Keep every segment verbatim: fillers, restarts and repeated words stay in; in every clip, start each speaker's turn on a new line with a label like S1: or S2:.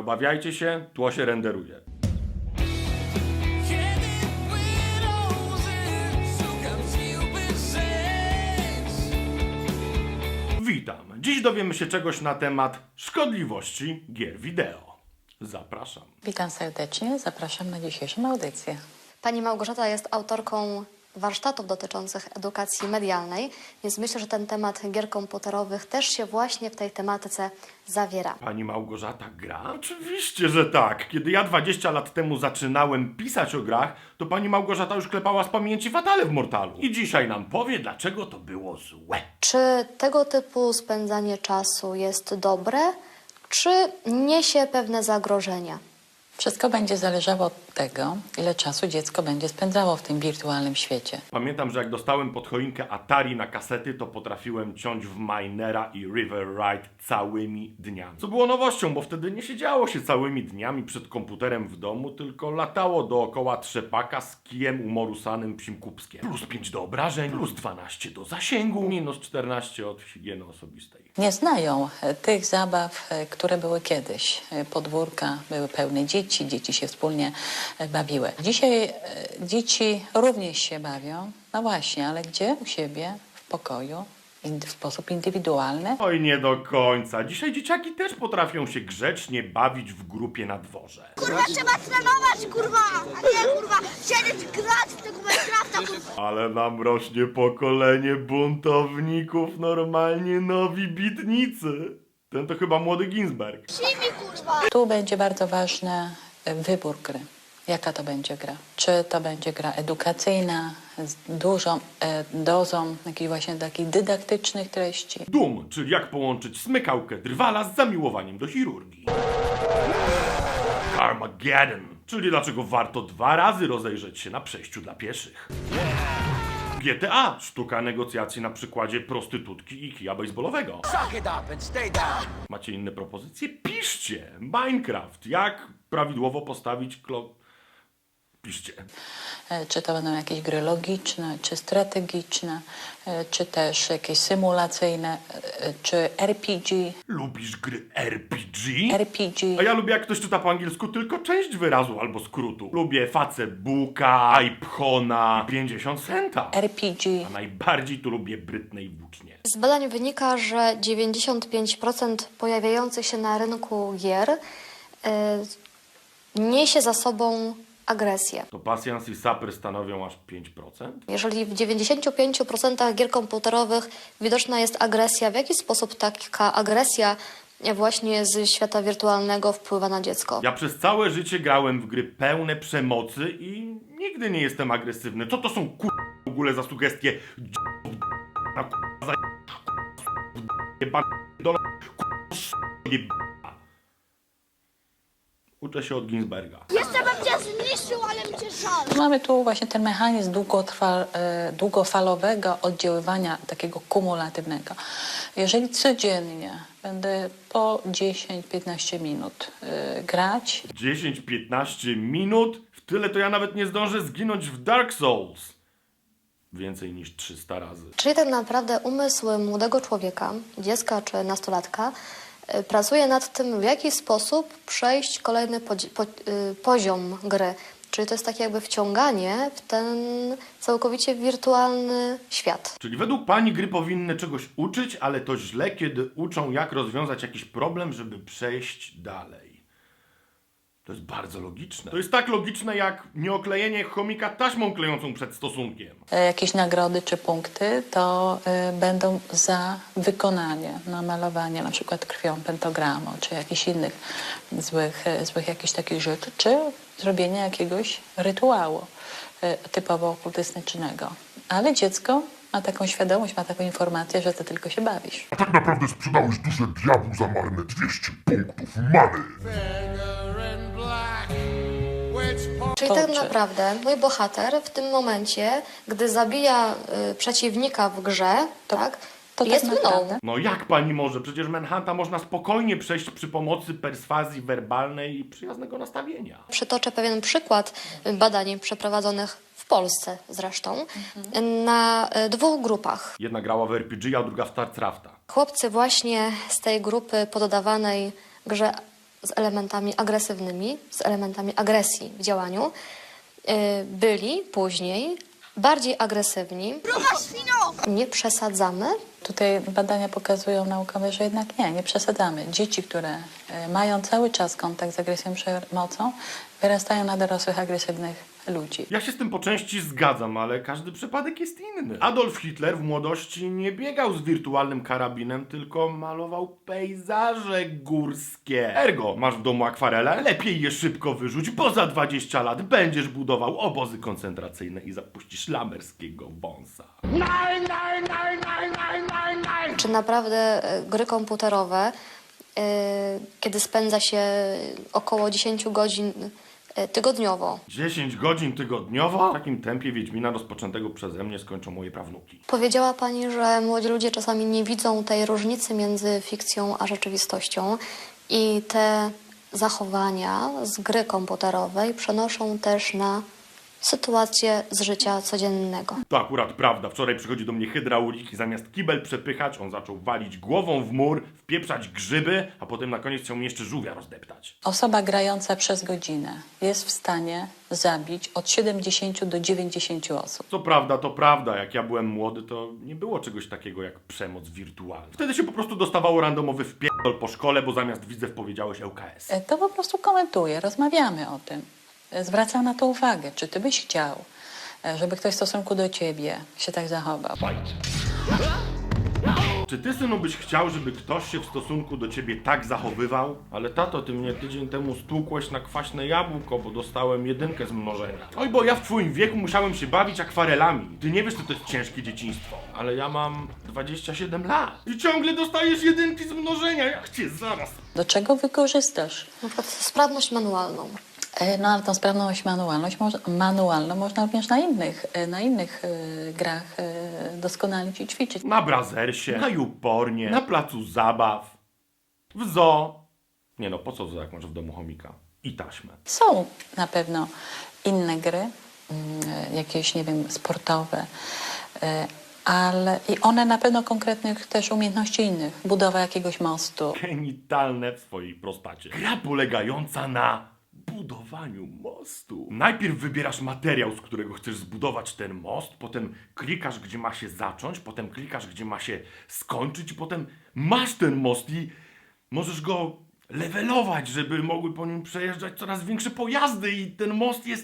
S1: obawiajcie się, tło się renderuje. Witam. Dziś dowiemy się czegoś na temat szkodliwości gier wideo. Zapraszam.
S2: Witam serdecznie, zapraszam na dzisiejszą audycję.
S3: Pani Małgorzata jest autorką warsztatów dotyczących edukacji medialnej, więc myślę, że ten temat gier komputerowych też się właśnie w tej tematyce zawiera.
S1: Pani Małgorzata gra? Oczywiście, że tak. Kiedy ja dwadzieścia lat temu zaczynałem pisać o grach, to pani Małgorzata już klepała z pamięci Fatale w Mortalu. I dzisiaj nam powie, dlaczego to było złe.
S3: Czy tego typu spędzanie czasu jest dobre, czy niesie pewne zagrożenia?
S2: Wszystko będzie zależało od tego, ile czasu dziecko będzie spędzało w tym wirtualnym świecie.
S1: Pamiętam, że jak dostałem pod choinkę Atari na kasety, to potrafiłem ciąć w Minera i River Ride całymi dniami. Co było nowością, bo wtedy nie siedziało się całymi dniami przed komputerem w domu, tylko latało dookoła trzepaka z kijem umorusanym psim kubskiem. Plus pięć do obrażeń, plus dwanaście do zasięgu, minus czternaście od higieny osobistej.
S2: Nie znają e, tych zabaw, e, które były kiedyś. E, Podwórka były pełne dzieci, dzieci się wspólnie e, bawiły. Dzisiaj e, dzieci również się bawią, no właśnie, ale gdzie? U siebie, w pokoju, in- w sposób indywidualny.
S1: Oj, nie do końca. Dzisiaj dzieciaki też potrafią się grzecznie bawić w grupie na dworze.
S4: Kurwa, trzeba trenować, kurwa, a nie, kurwa, siedzieć, grać w tego Minecrafta, kurwa.
S1: Ale nam rośnie pokolenie buntowników, normalnie nowi bitnicy. Ten to chyba młody Ginsberg.
S4: Simi, kurwa.
S2: Tu będzie bardzo ważny e, wybór gry. Jaka to będzie gra? Czy to będzie gra edukacyjna, z dużą e, dozą jakichś właśnie takich dydaktycznych treści?
S1: Doom, czyli jak połączyć smykałkę drwala z zamiłowaniem do chirurgii. Carmageddon, czyli dlaczego warto dwa razy rozejrzeć się na przejściu dla pieszych. G T A, sztuka negocjacji na przykładzie prostytutki i kija baseballowego.
S5: Suck it up and stay down.
S1: Macie inne propozycje? Piszcie! Minecraft, jak prawidłowo postawić klo... Piszcie.
S2: E, Czy to będą jakieś gry logiczne, czy strategiczne, e, czy też jakieś symulacyjne, e, czy R P G.
S1: Lubisz gry R P G?
S2: R P G.
S1: A ja lubię, jak ktoś czyta po angielsku tylko część wyrazu albo skrótu. Lubię Facebooka, iPhona, pięćdziesiąt centa.
S2: R P G.
S1: A najbardziej tu lubię Brytnej włócznie.
S3: Z badań wynika, że dziewięćdziesiąt pięć procent pojawiających się na rynku gier y, niesie za sobą agresję.
S1: To pasjans i saper stanowią aż pięć procent?
S3: Jeżeli w dziewięćdziesięciu pięciu procentach gier komputerowych widoczna jest agresja, w jaki sposób taka agresja właśnie z świata wirtualnego wpływa na dziecko?
S1: Ja przez całe życie grałem w gry pełne przemocy i nigdy nie jestem agresywny. Co to są kur... w ogóle za sugestie? Na kur... za... jeba... dola... Uczę się od Ginsberga.
S4: Jeszcze bym cię zniszczył, ale mi cię żal.
S2: Mamy tu właśnie ten mechanizm długotrwa, e, długofalowego oddziaływania, takiego kumulatywnego. Jeżeli codziennie będę po dziesięć piętnaście minut e, grać,
S1: dziesięć piętnaście minut? W tyle to ja nawet nie zdążę zginąć w Dark Souls. Więcej niż trzysta razy.
S3: Czyli tak naprawdę umysł młodego człowieka, dziecka czy nastolatka, y, pracuje nad tym, w jaki sposób przejść kolejny podzi- po, y, poziom gry. Czyli to jest takie jakby wciąganie w ten całkowicie wirtualny świat.
S1: Czyli według pani gry powinny czegoś uczyć, ale to źle, kiedy uczą, jak rozwiązać jakiś problem, żeby przejść dalej. To jest bardzo logiczne. To jest tak logiczne, jak nieoklejenie chomika taśmą klejącą przed stosunkiem.
S2: e, jakieś nagrody czy punkty, to e, będą za wykonanie, namalowanie na przykład krwią pentagramu, czy jakichś innych złych, e, złych jakichś takich rzeczy, czy zrobienie jakiegoś rytuału e, typowo okultystycznego. Ale dziecko ma taką świadomość, ma taką informację, że ty tylko się bawisz.
S6: A tak naprawdę sprzedałeś duszę diabłu za marne dwieście punktów many.
S3: Czyli
S2: To
S3: tak
S2: czy-
S3: naprawdę mój bohater w tym momencie, gdy zabija y, przeciwnika w grze,
S2: To-
S3: tak,
S2: to tak
S3: jest mną.
S2: naprawdę.
S1: No jak pani może? Przecież Manhunta można spokojnie przejść przy pomocy perswazji werbalnej i przyjaznego nastawienia.
S3: Przytoczę pewien przykład badań przeprowadzonych w Polsce zresztą na y, dwóch grupach.
S1: Jedna grała w R P G, a druga w StarCrafta.
S3: Chłopcy właśnie z tej grupy poddawanej grze z elementami agresywnymi, z elementami agresji w działaniu, yy, byli później bardziej agresywni.
S4: Gruba świno!
S3: Nie przesadzamy.
S2: Tutaj badania pokazują naukowe, że jednak nie, nie przesadzamy. Dzieci, które e, mają cały czas kontakt z agresją, przemocą, wyrastają na dorosłych, agresywnych ludzi.
S1: Ja się z tym po części zgadzam, ale każdy przypadek jest inny. Adolf Hitler w młodości nie biegał z wirtualnym karabinem, tylko malował pejzaże górskie. Ergo, masz w domu akwarele? Lepiej je szybko wyrzuć, bo za dwadzieścia lat będziesz budował obozy koncentracyjne i zapuścisz lamerskiego wąsa.
S3: Czy naprawdę e, gry komputerowe, e, kiedy spędza się około dziesięć godzin e, tygodniowo.
S1: dziesięć godzin tygodniowo? W takim tempie Wiedźmina rozpoczętego przeze mnie skończą moje prawnuki.
S3: Powiedziała Pani, że młodzi ludzie czasami nie widzą tej różnicy między fikcją a rzeczywistością i te zachowania z gry komputerowej przenoszą też na sytuacje z życia codziennego.
S1: To akurat prawda. Wczoraj przychodzi do mnie hydraulik i zamiast kibel przepychać, on zaczął walić głową w mur, wpieprzać grzyby, a potem na koniec chciał mi jeszcze żółwia rozdeptać.
S2: Osoba grająca przez godzinę jest w stanie zabić od siedemdziesięciu do dziewięćdziesięciu osób.
S1: Co prawda, to prawda. Jak ja byłem młody, to nie było czegoś takiego jak przemoc wirtualna. Wtedy się po prostu dostawało randomowy wpierdol po szkole, bo zamiast widzew powiedziałeś L K S.
S2: E, To po prostu komentuję, rozmawiamy o tym. E, Zwracam na to uwagę. Czy ty byś chciał, e, żeby ktoś w stosunku do ciebie się tak zachował?
S1: Czy ty, synu, byś chciał, żeby ktoś się w stosunku do ciebie tak zachowywał? Ale tato, ty mnie tydzień temu stłukłeś na kwaśne jabłko, bo dostałem jedynkę z mnożenia. Oj, bo ja w twoim wieku musiałem się bawić akwarelami. Ty nie wiesz, że to jest ciężkie dzieciństwo. Ale ja mam dwadzieścia siedem lat. I ciągle dostajesz jedynki z mnożenia. Jak cię zaraz...
S2: Do czego wykorzystasz?
S3: Na przykład sprawność manualną.
S2: E, No ale tą sprawność manualność, moż- manualną można również na innych, e, na innych e, grach e, doskonalić i ćwiczyć.
S1: Na Brazersie, na Youpornie, na placu zabaw, w zoo. Nie no, po co w zoo, jak masz w domu chomika? I taśmę.
S2: Są na pewno inne gry, mm, e, jakieś, nie wiem, sportowe, e, ale i one na pewno konkretnych też umiejętności innych. Budowa jakiegoś mostu.
S1: Genitalne w swojej prostacie. Gra polegająca na budowaniu mostu. Najpierw wybierasz materiał, z którego chcesz zbudować ten most, potem klikasz, gdzie ma się zacząć, potem klikasz, gdzie ma się skończyć, i potem masz ten most i możesz go levelować, żeby mogły po nim przejeżdżać coraz większe pojazdy i ten most jest...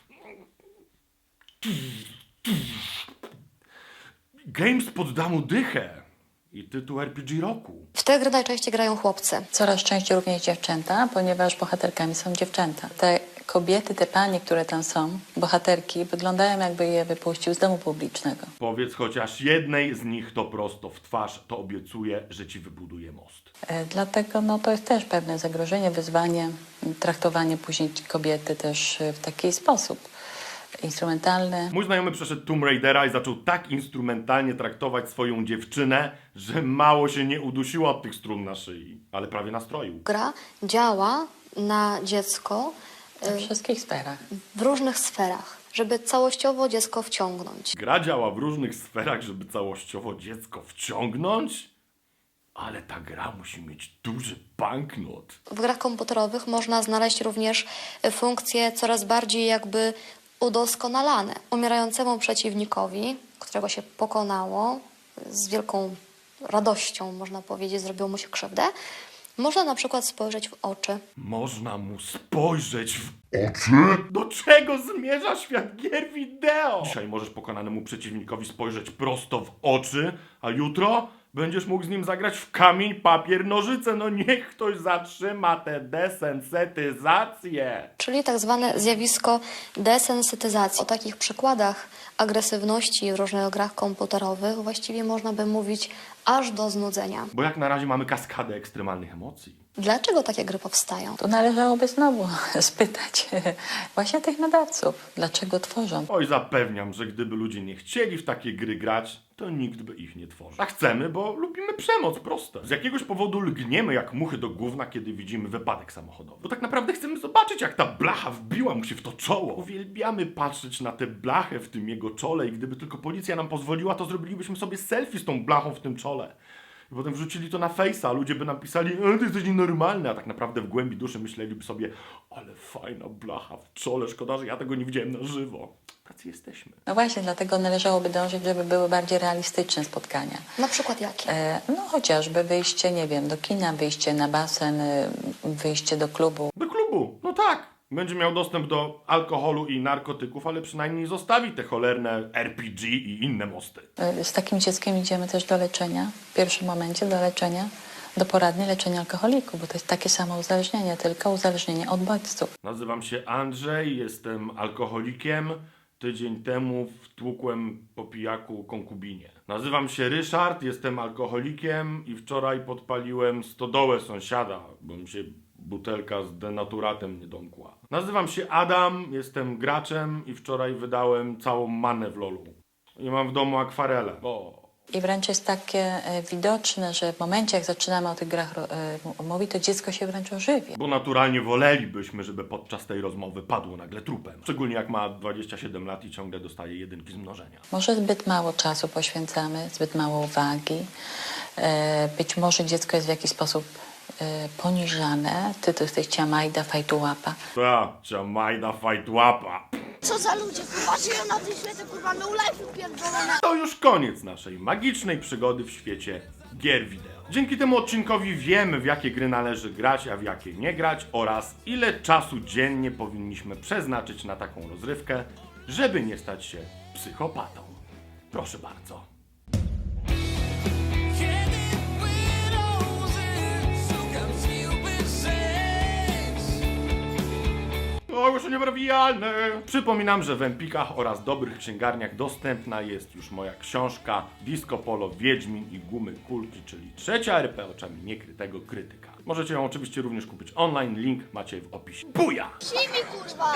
S1: Games podda mu dychę i tytuł R P G roku.
S3: W te gry najczęściej grają chłopcy.
S2: Coraz częściej również dziewczęta, ponieważ bohaterkami są dziewczęta. Te kobiety, te panie, które tam są, bohaterki, wyglądają jakby je wypuścił z domu publicznego.
S1: Powiedz chociaż jednej z nich to prosto w twarz, to obiecuję, że ci wybuduje most.
S2: E, Dlatego no, to jest też pewne zagrożenie, wyzwanie, m, traktowanie później kobiety też e, w taki sposób instrumentalny.
S1: Mój znajomy przeszedł Tomb Raidera i zaczął tak instrumentalnie traktować swoją dziewczynę, że mało się nie udusiła od tych strun na szyi, ale prawie nastroił.
S3: Gra działa na dziecko
S2: We wszystkich sferach.
S3: w różnych sferach, żeby całościowo dziecko wciągnąć.
S1: Gra działa w różnych sferach, żeby całościowo dziecko wciągnąć, ale ta gra musi mieć duży banknot.
S3: W grach komputerowych można znaleźć również funkcje coraz bardziej jakby udoskonalane. Umierającemu przeciwnikowi, którego się pokonało, z wielką radością, można powiedzieć, zrobiło mu się krzywdę, można na przykład spojrzeć w oczy.
S1: Można mu spojrzeć w...
S6: Oczy?
S1: Do czego zmierza świat gier wideo? Dzisiaj możesz pokonanemu przeciwnikowi spojrzeć prosto w oczy, a jutro będziesz mógł z nim zagrać w kamień, papier, nożyce. No niech ktoś zatrzyma tę desensytyzację.
S3: Czyli tak zwane zjawisko desensytyzacji. O takich przykładach agresywności w różnych grach komputerowych właściwie można by mówić aż do znudzenia.
S1: Bo jak na razie mamy kaskadę ekstremalnych emocji.
S3: Dlaczego takie gry powstają?
S2: Tu należałoby znowu spytać właśnie tych nadawców, dlaczego tworzą.
S1: Oj, zapewniam, że gdyby ludzie nie chcieli w takie gry grać, to nikt by ich nie tworzył. A chcemy, bo lubimy przemoc, proste. Z jakiegoś powodu lgniemy jak muchy do gówna, kiedy widzimy wypadek samochodowy. Bo tak naprawdę chcemy zobaczyć, jak ta blacha wbiła mu się w to czoło. Uwielbiamy patrzeć na tę blachę w tym jego czole i gdyby tylko policja nam pozwoliła, to zrobilibyśmy sobie selfie z tą blachą w tym czole. I potem wrzucili to na Face'a, ludzie by napisali, e, ty jesteś nienormalny, a tak naprawdę w głębi duszy myśleliby sobie, ale fajna blacha w czole, szkoda, że ja tego nie widziałem na żywo. Tacy jesteśmy.
S2: No właśnie, dlatego należałoby dążyć, żeby były bardziej realistyczne spotkania.
S3: Na przykład jakie?
S2: E, no chociażby wyjście, nie wiem, do kina, wyjście na basen, y, wyjście do klubu.
S1: Do klubu, no tak. Będzie miał dostęp do alkoholu i narkotyków, ale przynajmniej zostawi te cholerne R P G i inne mosty.
S2: Y, Z takim dzieckiem idziemy też do leczenia, w pierwszym momencie do leczenia, do poradni leczenia alkoholików, bo to jest takie samo uzależnienie, tylko uzależnienie od bodźców.
S1: Nazywam się Andrzej, jestem alkoholikiem. Tydzień temu wtłukłem po pijaku konkubinie. Nazywam się Ryszard, jestem alkoholikiem i wczoraj podpaliłem stodołę sąsiada, bo mi się butelka z denaturatem nie domkła. Nazywam się Adam, jestem graczem i wczoraj wydałem całą manę w lolu. I mam w domu akwarele. O.
S2: I wręcz jest takie e, widoczne, że w momencie, jak zaczynamy o tych grach ro- e, mówić, to dziecko się wręcz ożywia.
S1: Bo naturalnie wolelibyśmy, żeby podczas tej rozmowy padło nagle trupem. Szczególnie jak ma dwadzieścia siedem lat i ciągle dostaje jedynki z mnożenia.
S2: Może zbyt mało czasu poświęcamy, zbyt mało uwagi. E, być może dziecko jest w jakiś sposób e, poniżane. Ty to jesteś ciamajda, fajtułapa.
S1: Ta, Jamajda fajtłapa.
S4: Co za ludzie, kurwa, żyją na tym świecie, kurwa, no life pierdolone.
S1: To już koniec naszej magicznej przygody w świecie gier wideo. Dzięki temu odcinkowi wiemy, w jakie gry należy grać, a w jakie nie grać oraz ile czasu dziennie powinniśmy przeznaczyć na taką rozrywkę, żeby nie stać się psychopatą. Proszę bardzo.
S5: Kiedy płyną łzy, szukam sił, by żyć.
S1: Ogłoszenie parafialne! Przypominam, że w Empikach oraz dobrych księgarniach dostępna jest już moja książka Disco Polo, Wiedźmin i Gumy Kulki, czyli trzecia R P oczami niekrytego krytyka. Możecie ją oczywiście również kupić online, link macie w opisie. Buja!
S4: Simi, kurwa.